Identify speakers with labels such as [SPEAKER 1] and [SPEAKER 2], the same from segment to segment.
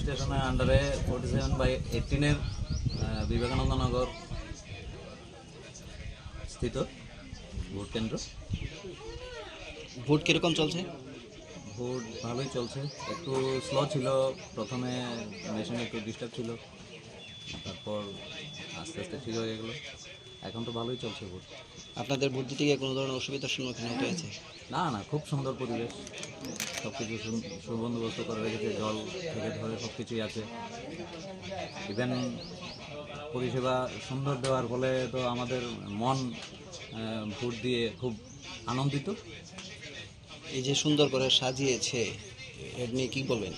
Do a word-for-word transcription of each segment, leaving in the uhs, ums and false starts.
[SPEAKER 1] স্টেশনের আন্ডারে forty seven by এইটিনের বিবেকানন্দ নগর স্থিত ভোট কেন্দ্র।
[SPEAKER 2] ভোট কীরকম চলছে?
[SPEAKER 1] ভোট ভালোই চলছে, একটু স্লো ছিল প্রথমে, মেশিন একটু ডিস্টার্ব ছিল, তারপর আস্তে আস্তে ঠিক হয়ে গেলো, এখন তো ভালোই চলছে ভোট।
[SPEAKER 2] আপনাদের ভোট দিতে গিয়ে কোনো ধরনের অসুবিধার সম্মুখীন হতে হয়েছে?
[SPEAKER 1] না না, খুব সুন্দর পরিবেশ, সব কিছু সুবন্দোবস্ত করে রেখেছে, জল থেকে ধরে সব কিছুই আছে। ইভেন পরিষেবা সুন্দর দেওয়ার ফলে তো আমাদের মন ভোট দিয়ে খুব আনন্দিত।
[SPEAKER 2] এই যে সুন্দর করে সাজিয়েছে, এর নিয়ে কী বলবেন?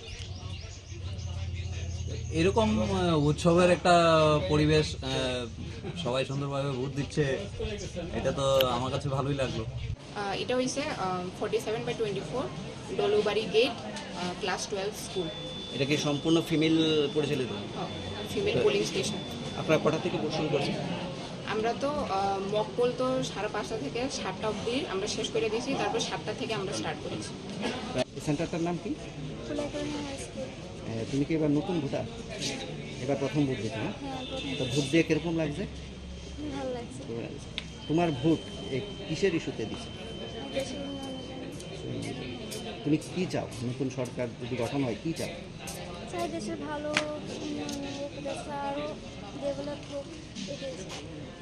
[SPEAKER 1] এরকম উৎসবের একটা পরিবেশ, সবাই সুন্দরভাবে ভোট দিচ্ছে, এটা তো আমার কাছে ভালোই লাগলো।
[SPEAKER 3] এটা হয়েছে forty seven by twenty four Dolubari gate, class twelve school.
[SPEAKER 2] এটা কি সম্পূর্ণ ফিমেল পরিচালিত?
[SPEAKER 3] Female polling station.
[SPEAKER 2] আপনারা কটা থেকে ভোট শুরু করছেন?
[SPEAKER 3] আমরা তো মক পোল তো সাড়ে পাঁচটা থেকে সাতটা অবধি আমরা শেষ করে দিয়েছি, তারপর সাতটা থেকে আমরা স্টার্ট করেছি।
[SPEAKER 2] সেন্টারটার নাম কি? তুমি কি এবার নতুন ভোটার? এবার প্রথম ভোট দিতে? না, তো ভোট দিয়ে কিরকম লাগছে?
[SPEAKER 4] ভালো লাগছে।
[SPEAKER 2] তোমার ভোট কিসের ইস্যুতে দিচ্ছে? তুমি কি চাও? নতুন সরকার যদি গঠন হয় কি চাও?
[SPEAKER 4] চাই দেশের ভালো উন্নয়ন হোক, দেশটা আরও ডেভেলপ হোক, এটাই চাই।